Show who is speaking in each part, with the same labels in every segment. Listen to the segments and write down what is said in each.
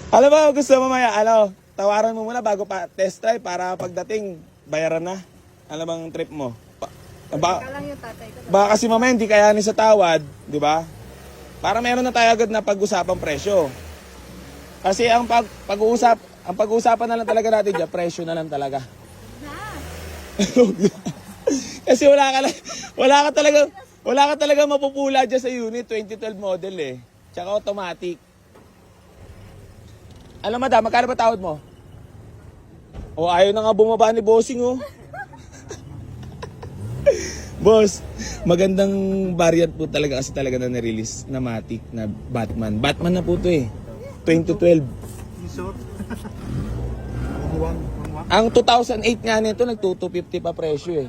Speaker 1: Alam mo, gusto mo mamaya, tawaran mo muna bago pa test drive para pagdating, bayaran na. Ano bang trip mo?
Speaker 2: Teka lang yung tatay ko.
Speaker 1: Baka kasi mamaya hindi kayanin sa tawad, di ba? Para meron na tayo agad na pag-usapang presyo. Kasi ang pag-uusapan na lang talaga natin dyan, presyo na lang talaga. Kasi wala ka talaga mapupula dyan sa unit, 2012 model eh. Tsaka automatic. Alam madam, magkano ba tawad mo? O ayaw na nga bumaba ni bossing oh. Boss, magandang variant po talaga kasi talaga na nirelease na Matic na Batman. Batman na po to eh. 2012. Ang 2008 nga nito, nag-250 pa presyo eh.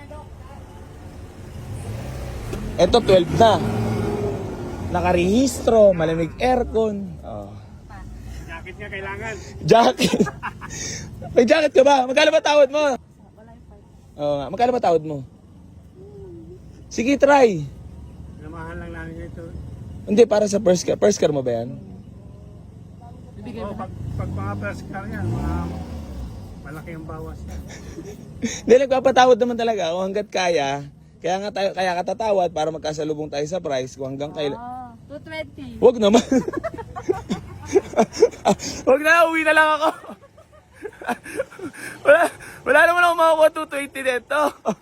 Speaker 1: Ito 12 na. Nakarehistro, malamig aircon. Oh.
Speaker 3: Jacket nga kailangan.
Speaker 1: Jacket. May jacket ka ba? Magkano ba tawad mo? Oo nga, magkano ba tawad mo? Sige, try.
Speaker 3: Namahan lang namin ito.
Speaker 1: Hindi, para sa first car. First car mo ba yan?
Speaker 3: Oo, pag mga first car yan, mga malaki ang bawas.
Speaker 1: Hindi, nagpapatawad naman talaga kung hanggat kaya. Kaya ka tatawad para magkasalubong tayo sa price kung hanggang kailan.
Speaker 2: 220.
Speaker 1: Huwag naman. Huwag na, uwi na lang ako. wala naman ako makakuha 220 dito.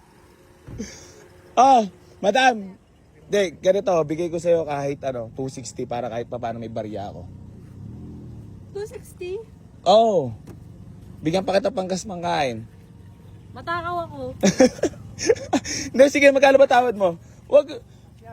Speaker 1: Madam. Hindi, ganito, bigay ko sa'yo kahit 260 para kahit pa paano may barya ako.
Speaker 2: 260?
Speaker 1: Oo. Bigyan pa kita panggas mangkain.
Speaker 2: Matakaw ako.
Speaker 1: Hindi, sige, magkano ba tawad mo? Wag.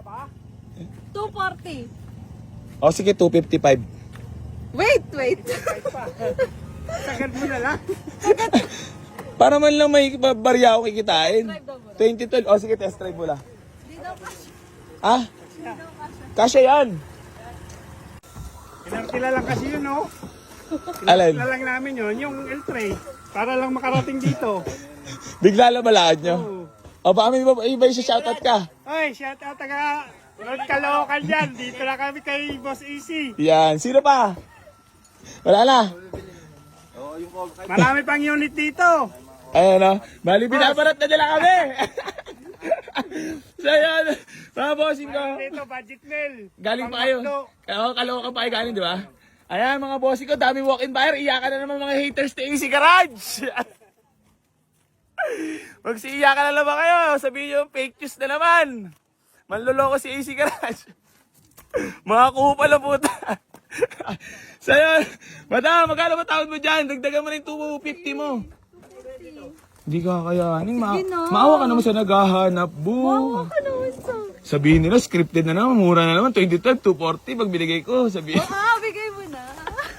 Speaker 2: 240.
Speaker 1: O, sige, 255.
Speaker 2: Wait.
Speaker 3: Sagad mo na lang.
Speaker 1: Para man lang may barya ako kikitain.
Speaker 2: Test drive daw
Speaker 1: 2012.
Speaker 2: muna.
Speaker 1: O, sige, test drive mo lang.
Speaker 2: Di daw kasi.
Speaker 1: Ah? Kasya yan.
Speaker 3: Kinartila lang kasi yun, no?
Speaker 1: Alin?
Speaker 3: Kinartila lang namin yun, yung L3. Para lang makarating dito.
Speaker 1: Bigla lang malaan nyo.
Speaker 3: Oo.
Speaker 1: O, baka may iba yung shoutout ka.
Speaker 3: Oy, shout out taga Lord Caloocan dyan. Dito na kami kay Boss AC.
Speaker 1: Yan. Sino pa? Wala na.
Speaker 3: Marami pang unit dito.
Speaker 1: Ayun o. Bali, binabarat na nila kami. So, yun. Mga bossing ko.
Speaker 3: Dito, budget mail.
Speaker 1: Galing pa kayo. Oo, Caloocan pa kayo galing, di ba? Ayan, mga bossing ko. Dami walk-in buyer. Iyakan na naman mga haters ni AC Garage. Magsiiyakan na naman kayo. Sabihin nyo, fake news na naman. Manloloko si AC Garage. Mga kupal na puta. So yun, madam, magkano ba tawad mo dyan? Dagdagan mo na yung 250 mo. Hindi ka kayanin. Maawa ka naman sa naghahanap, bu.
Speaker 2: Ano gusto?
Speaker 1: Sabihin nila, scripted na naman. Mura na naman. 2012, 240. Pag binigay ko, sabihin.
Speaker 2: Bigay mo na.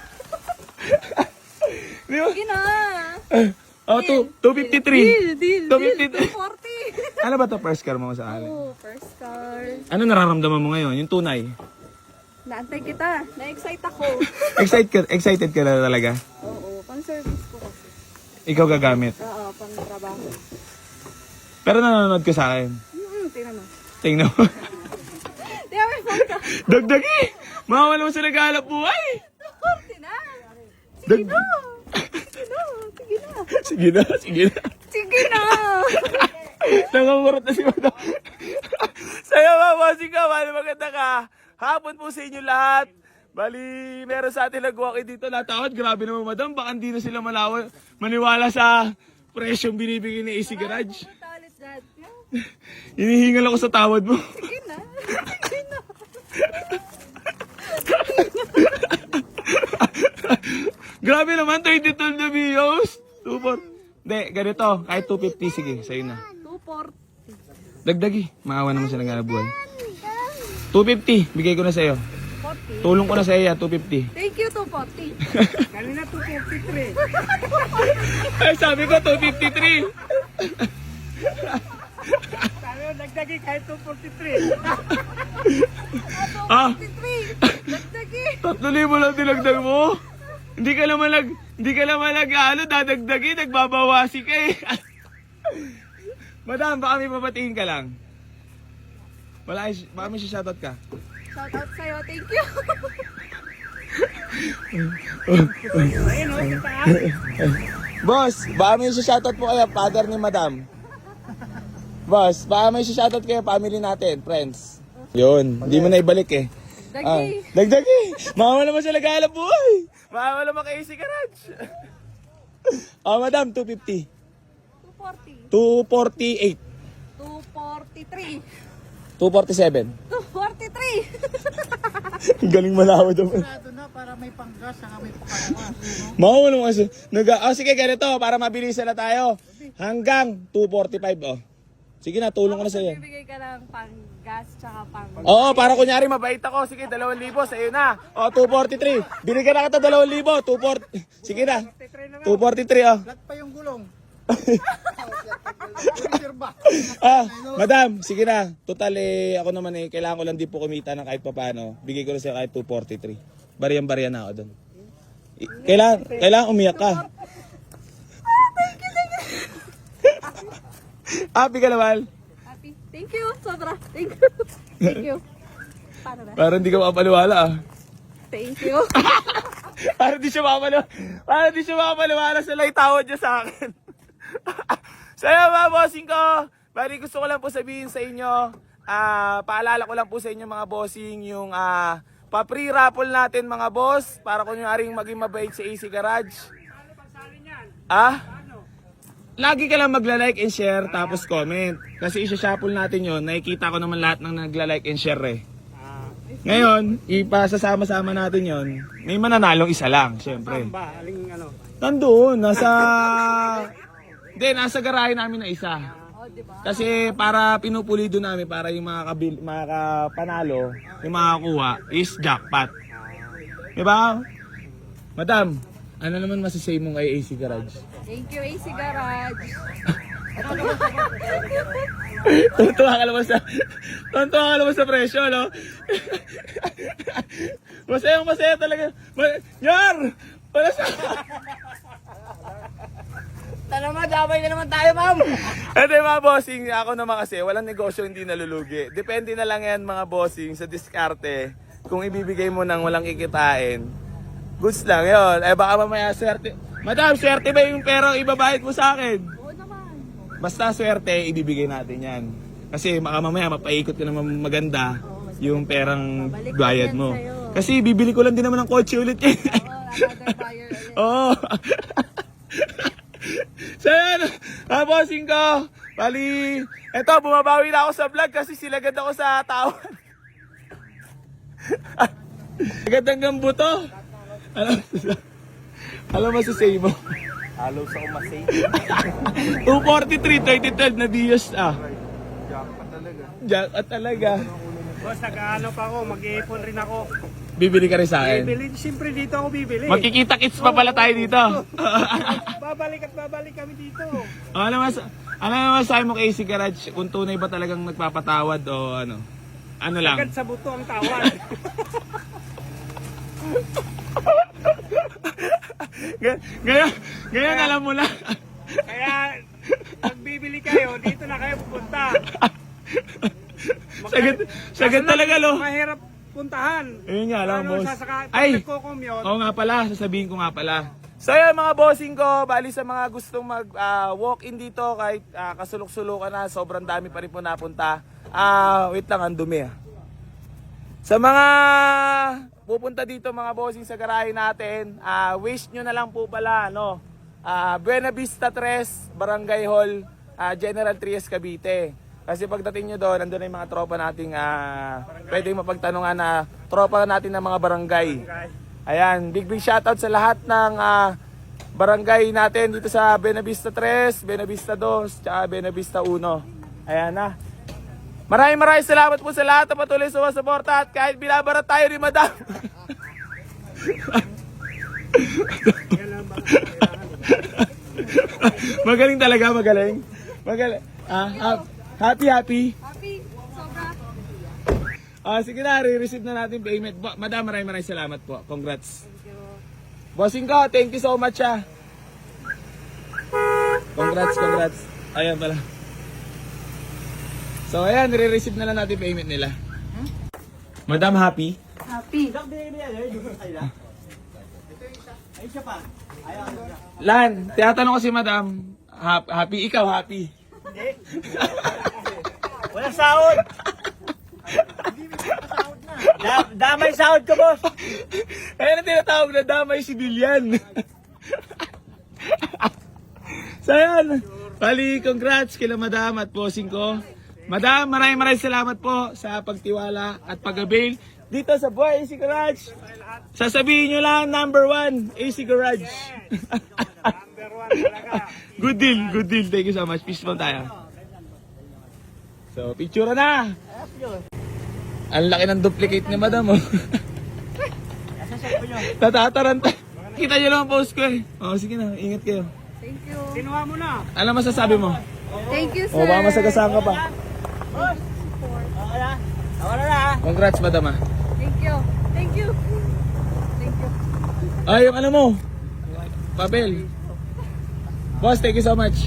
Speaker 1: Di ba?
Speaker 2: Sige na.
Speaker 1: Oh, 253.
Speaker 2: Deal.
Speaker 1: 253.
Speaker 2: 240.
Speaker 1: Ano ba to first car mo sa alin?
Speaker 2: Oh, first car.
Speaker 1: Ano nararamdaman mo ngayon? Yung tunay?
Speaker 2: Naantay kita. Na-excite ako.
Speaker 1: Excited ka na talaga?
Speaker 2: Oo, pang service ko kasi.
Speaker 1: Ikaw gagamit.
Speaker 2: Oo, pang trabaho.
Speaker 1: Pero nanonood ka sa akin.
Speaker 2: Tingnan mo.
Speaker 1: Tingnan mo.
Speaker 2: Di ba may phone ka?
Speaker 1: Dagdagi! Mawawala mo sa naghahanap buhay!
Speaker 2: 240 na. Sige na.
Speaker 1: Sige na.
Speaker 2: Sige na.
Speaker 1: Nangangurot na si Madam. Sa'yo mga bossing ka, bali maganda ka. Hapon po sa inyo lahat. Bali, meron sa atin nag-walk-in dito. Natawad, grabe naman Madam. Baka hindi na sila maniwala sa presyong binibigay ni AC Garage.
Speaker 2: Talit dad.
Speaker 1: Hinihingal ako sa tawad mo.
Speaker 2: Sige na. Sige na.
Speaker 1: Grabe naman, 22 na videos. 240. Hindi, ganito. Kahit 250, sige, sa'yo na.
Speaker 2: 240.
Speaker 1: Dagdagi. Maawa naman siya naghanap buhay. 250, bigay ko na sa'yo.
Speaker 2: 40.
Speaker 1: Tulong ko na sa'yo yan, 250.
Speaker 2: Thank you, 240.
Speaker 3: Kanina 253.
Speaker 1: Ay, sabi ko, 253.
Speaker 3: Sabi mo, dagdagi kahit 243.
Speaker 1: Ah,
Speaker 2: 53. Dagdagi.
Speaker 1: 3,000 lang dinagdag mo. Hindi ka naman dadagdagi, nagbabawasi ka eh. Madam, baka may papatingin ka lang. Baka may shoutout ka.
Speaker 2: Shout out sa'yo. Thank you.
Speaker 3: Ayun, oh, sa taas.
Speaker 1: Boss, baka may shoutout po kayo, father ni madam. Boss, baka may shoutout kayo, family natin, friends. Yun, hindi mo na ibalik eh.
Speaker 2: Dagi.
Speaker 1: Dagdagi! Mawala mo siya naghahanap buhay! Mawala mo kay AC Garage! Madam, 250.
Speaker 2: 240.
Speaker 1: 248.
Speaker 2: 243.
Speaker 1: 247.
Speaker 2: 243.
Speaker 1: Galing malawa daw.
Speaker 3: Ito na para may panggas, saka may pangalawas.
Speaker 1: Mawala mo kasi. Sige, ganito, para mabilisan na tayo. Hanggang 245, oh. Sige na, tulong ko na sa'yo.
Speaker 2: Bibigay ka ng pang-gas tsaka pang...
Speaker 1: Oo, para kunyari mabait ako. Sige, 2,000 sa'yo na. O, 243. Binigyan na kita 2,000. 240. Sige na. 243, oh.
Speaker 3: Lat pa yung gulong.
Speaker 1: Madam, sige na. Total ako naman kailangan ko lang din po kumita ng kahit papaano. Bigay ko na sa'yo kahit 243. Baryan-barya na ako doon. Kailangan umiyak ka. Happy ka naman.
Speaker 2: Happy. Thank you. Sobra. Thank you. Thank you. Paano na?
Speaker 1: Parang hindi ka mapapaniwala ah.
Speaker 2: Thank you.
Speaker 1: Parang di siya mapapaniwala sa lang tawad niya sa akin. Saya mga bossing ko. Bali gusto ko lang po sabihin sa inyo. Paalala ko lang po sa inyo mga bossing yung pa-free raffle natin mga boss. Para kunyaring maging mabait sa AC Garage. Lagi ka lang magla-like and share tapos comment. Kasi isa-shuffle natin yon. Nakikita ko naman lahat ng nagla-like and share eh. Ngayon, ipasasama-sama natin yon. May mananalong isa lang, syempre.
Speaker 3: Ba, aling ano?
Speaker 1: Nandoon, nasa garahe namin na isa. Kasi para pinupulido namin para yung mga kapanalo, yung makakuha is jackpot. Diba? Madam, ano naman masasay mo kay AC Garage?
Speaker 2: Thank you, AC Garage.
Speaker 1: Tuntua ka naman sa presyo, no? Masaya talaga. Yar! Wala sa...
Speaker 3: Talaga, damay na naman tayo, ma'am.
Speaker 1: Ito mga bossing, ako naman kasi, walang negosyo hindi nalulugi. Depende na lang yan mga bossing sa diskarte. Kung ibibigay mo nang walang kikitain, goods lang yun. Baka mamaya swerte. Madam, swerte ba yung perang ibabahid mo sa akin?
Speaker 2: Oo naman.
Speaker 1: Basta swerte, ibibigay natin yan. Kasi baka mamaya mapaikot ka naman maganda yung perang
Speaker 2: Babalik
Speaker 1: bayad
Speaker 2: yan
Speaker 1: mo.
Speaker 2: sa'yo.
Speaker 1: Kasi bibili ko lang din naman ng kotse ulit eh.
Speaker 2: Another buyer ulit.
Speaker 1: Oo. So yan, bossing ko. Bali, eto, bumabawi na ako sa vlog kasi silagad ako sa tawad. Agad hanggang buto. Alam mo sa say mo?
Speaker 3: Halo sa umasay.
Speaker 1: 243, 2012 na Dios
Speaker 3: Jackpot talaga.
Speaker 1: Jackpot talaga.
Speaker 3: Boss, nag-ano pa ako, mag-iipon rin ako.
Speaker 1: Bibili ka rin sa akin.
Speaker 3: Bibili, siyempre dito ako bibili.
Speaker 1: Magkikita-kits pa pala tayo dito.
Speaker 3: babalik kami dito.
Speaker 1: Ano naman sabi mo kay AC Garage? Kung tunay ba talagang nagpapatawad o ano? Ano lang?
Speaker 3: Agad sa buto ang tawad.
Speaker 1: Ngayon alam mo na.
Speaker 3: Kaya, magbibili kayo, dito na kayo pupunta.
Speaker 1: Sagad talaga lo.
Speaker 3: Mahirap puntahan.
Speaker 1: Ayun nga lang, boss.
Speaker 3: Ay! Nagko-commute.
Speaker 1: Oo nga pala, sasabihin ko nga pala. So yun mga bossing ko, bali sa mga gustong mag-walk-in dito kahit kasulok-sulukan na, sobrang dami pa rin po napunta. Wait lang, ang dumi ah. Sa mga pupunta dito mga bossing sa garahe natin, wish nyo na lang po pala, no? Buena Vista 3, Barangay Hall, General Trias, Cavite. Kasi pagdating nyo doon, nandun na yung mga tropa nating pwedeng mapagtanungan na tropa natin ng mga barangay. Ayan, big shoutout sa lahat ng barangay natin dito sa Buena Vista 3, Buena Vista 2, tsaka Buena Vista 1. Ayan na. Maraming salamat po sa lahat na patuloy sa suporta at kahit binabarat tayo ni Madam. Magaling talaga, magaling. Happy.
Speaker 2: Happy. Sobra.
Speaker 1: Sige na, re-receive na natin payment. Madam, maraming salamat po. Congrats. Bossing ko, thank you so much Congrats. Ayan pala. So ayan, re-receive na lang natin payment nila. Madam, happy?
Speaker 2: Happy.
Speaker 1: Lan, tinatanong ko si madam, happy ikaw, happy.
Speaker 4: Walang sahod. Damay sahod ko, boss.
Speaker 1: Ayun ang tinatawag na damay civilian. So yun, bali congrats kila madam at bossing ko. Madam, maraming salamat po sa pagtiwala at pag-avail dito sa Boy AC Garage. Sasabihin nyo lang, number 1, AC Garage.
Speaker 3: Number 1 talaga.
Speaker 1: Good deal. Thank you so much. Peace po tayo. So, picture na. Ang laki ng duplicate ni madam, oh. Natataranta. Kita nyo lang ang post ko, eh. Oh, sige na, ingat kayo.
Speaker 2: Thank you.
Speaker 3: Kinuha mo na.
Speaker 1: Ano masasabi mo?
Speaker 2: Thank you, sir.
Speaker 1: O, baka masagasaan ka pa.
Speaker 4: Wala na.
Speaker 1: Congrats, madam, ah.
Speaker 2: Thank you. Thank you. Thank you.
Speaker 1: Ay, yung ano mo? Papel. Boss, thank you so much.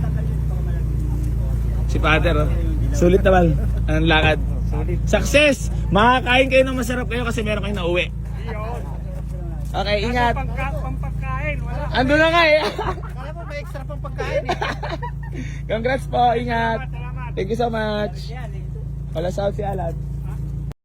Speaker 1: Si Pater, oh. Sulit naman. Ang lakad. Success! Makakain kayo ng masarap kayo kasi meron kayong nauwi. Okay, ingat.
Speaker 3: Pampagkain, wala.
Speaker 1: Ando na nga eh.
Speaker 4: Kala mo may extra pang pagkain eh.
Speaker 1: Congrats po, ingat. Thank you so much. Wala sahod si Alan.